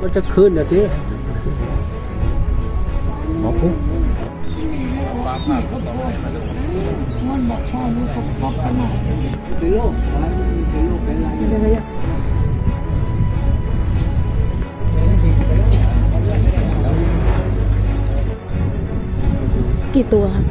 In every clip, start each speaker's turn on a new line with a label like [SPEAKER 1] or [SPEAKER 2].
[SPEAKER 1] จะขึ้นนะทีหมอปุ๊บ
[SPEAKER 2] มันบอกชอบลูกเขาพบกันหน่อยเป็นโรคเป็นอะไรกี่ตัวครับ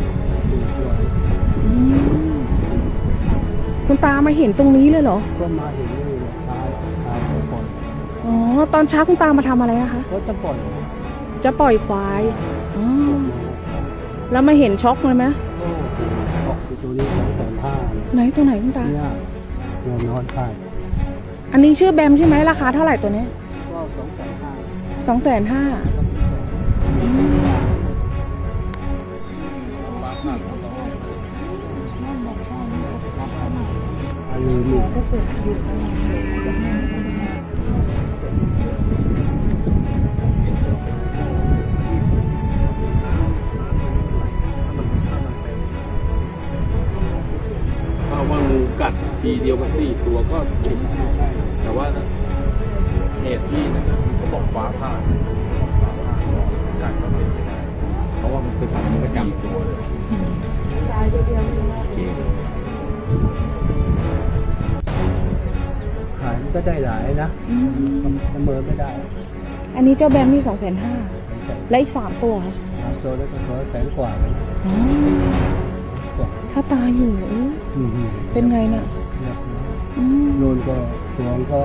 [SPEAKER 2] คุณตามาเห็นตรงนี้เลยเหรอ
[SPEAKER 1] ก็มาเห็นนี่ตายปล่อย
[SPEAKER 2] อ๋อตอนเช้าคุณตามาทำอะไรนะคะ
[SPEAKER 1] ก็จะปล่อย
[SPEAKER 2] ควายอ๋อแล้วมาเห็นช็อกเลยไหม
[SPEAKER 1] ออกตัวนี้250,000
[SPEAKER 2] ไหนตัวไหนคุณตา
[SPEAKER 1] เนี่ยนอนใช่
[SPEAKER 2] อันนี้ชื่อแบมใช่ไหมราคาเท่าไหร่ตัวนี้
[SPEAKER 1] ก็250,000 อันนี้
[SPEAKER 3] ว่างูกัดทีเดียวมัน4 ตัวก็ผิดแต่ว่าเหตุที่เขาบอกฟ้าผ่ากัดก็เป็นไปได้เพราะว่ามันเป็นประจำตัวเลย
[SPEAKER 1] ขายมันก็ได้หลายนะเสมอไม่ได้
[SPEAKER 2] อันนี้เจ้าแบมนี่250,000และอีก3 ตัวค่ะ
[SPEAKER 1] ตัวแล้วก็100,000 กว่า
[SPEAKER 2] ถ้าตายอยู่เป็นไงน่ะ
[SPEAKER 1] โดนก็ตัวก็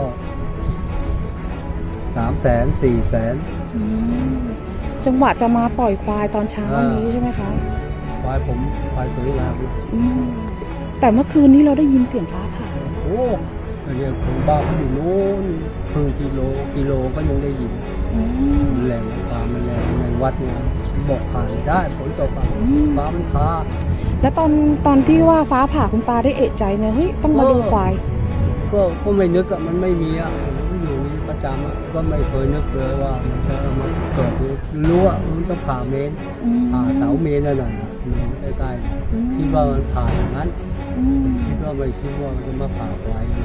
[SPEAKER 1] 300,000 400,000
[SPEAKER 2] จังหวะจะมาปล่อยควายตอนเช้านี้ใช่ไหมคะ
[SPEAKER 1] ควายสวยงาม
[SPEAKER 2] แต่เมื่อคืนนี้เราได้ยินเสียงฟ้าผ่า
[SPEAKER 1] โอ้เรียกคนบ้าเขาอยู่โน้นครึ่งกิโลก็ยังได้ยินแรงฟ้ามันแรงในวัดเนี่ยบอกผ่านได้ฝนตกฟ้ามันพา
[SPEAKER 2] แล้วตอนที่ว่าฟ้าผ่าคุณตาได้เอะใจไหมเฮ้ยต้องมาดูควาย
[SPEAKER 1] ก็ไม่นึกอะมันไม่มีอะมันอยู่นี่ประจำอะก็ไม่เคยนึกเลยว่ามันจะมาเกิดรู้ว่ามันต้องผ่าเมนผ่าเสาเมนนั่นน่ะใกล้ๆคิดว่ามันผ่าอย่างนั้นคิดว่าไม่คิดว่ามันจะมาผ่าควาย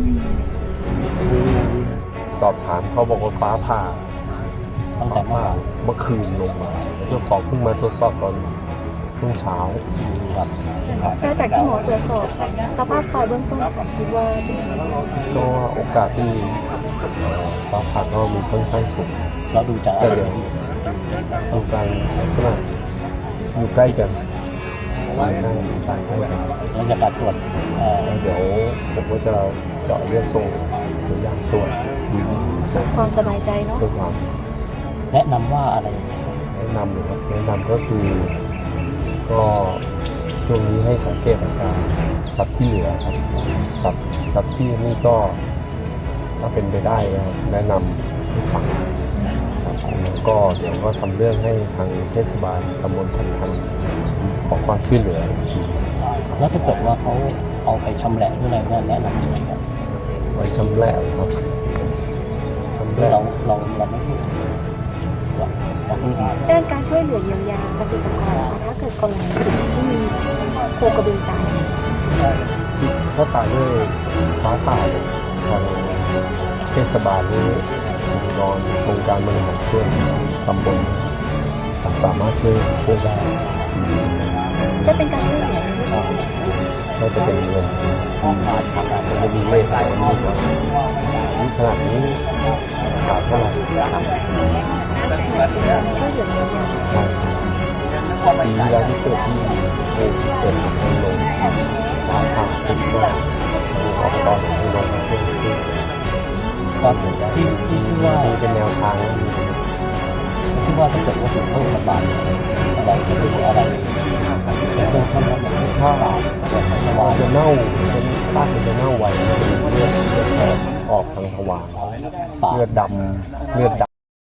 [SPEAKER 3] สอบถามเขาบอกว่าฟ้าผ่าตั้งแต่เมื่อคืนลงมาเจ้าของเพิ่งมาตรวจสอบตอนช่วงเช้าครับ
[SPEAKER 2] แล้วจากที่หมอตรวจสอบสภาพควายเบื้องต้นคิดว่า
[SPEAKER 3] ก็โอกาสที่ฟ้าผ่าก็มีค่อนข้างสูง
[SPEAKER 4] เราดูจากอะไร
[SPEAKER 3] ดูการขนาดอยู่ใกล้กันต่างกัน
[SPEAKER 4] แล้วจากการตรวจ
[SPEAKER 3] เดี๋ยวผมก็จะเจาะเลือดส่งตัวอย่างตรวจ
[SPEAKER 2] ความสบายใจเนาะ
[SPEAKER 4] แนะนำว่าอะไร
[SPEAKER 3] แนะนำหรือว่าแนะนำก็คือก็ช่วงนี้ให้สังเกตอาการสัตว์ที่เหลือครับสัตว์ที่นี่ก็ถ้าเป็นไปได้นะครับแนะนำให้ฟังแล้วก็เดี๋ยวก็ทำเรื่องให้ทางเทศบาลตำบลทันทันขอความช่วยเหลือ
[SPEAKER 4] แล้วถ้าเกิดว่าเขาเอาไปชำแหละหรืออะไรก็แนะนำยังไงครับ
[SPEAKER 3] ไปชำแหละครับ
[SPEAKER 4] เราไม่พูด
[SPEAKER 2] ด้านการช่วยเหลือเยียวยาเกษตรกรถ้าเกิดกรณีที่มีโคกระบือตาย
[SPEAKER 3] เขาตายด้วยฟ้าผ่าทางเทศบาลนี้นอนโครงการบริหารส่วนตำบลสามารถช่วยได้
[SPEAKER 2] จะเป็นการช่วยเหลือ
[SPEAKER 3] ก็จะเป็นเงินจะมีเลขอะไรนี่ขนาดนี้ขาดเท่าไหร่
[SPEAKER 2] ช่วยเหลือ
[SPEAKER 3] ใช่ปีแล้วที่เกิดที่11ให้ลงฟ้าผ่าติดก็ออกตอนให้ลงมาช่วย
[SPEAKER 4] ก็ที่ว่า
[SPEAKER 3] เป็นแนวทาง
[SPEAKER 4] ที่ว่าถ้าเกิดว่าถึงเข้าโรงพยาบาลอะไรจะเป็นอะไร
[SPEAKER 3] ถ้าจะเน่าเป็นซากจะเน่าไวเลือดออกทางทวารเลือดดำ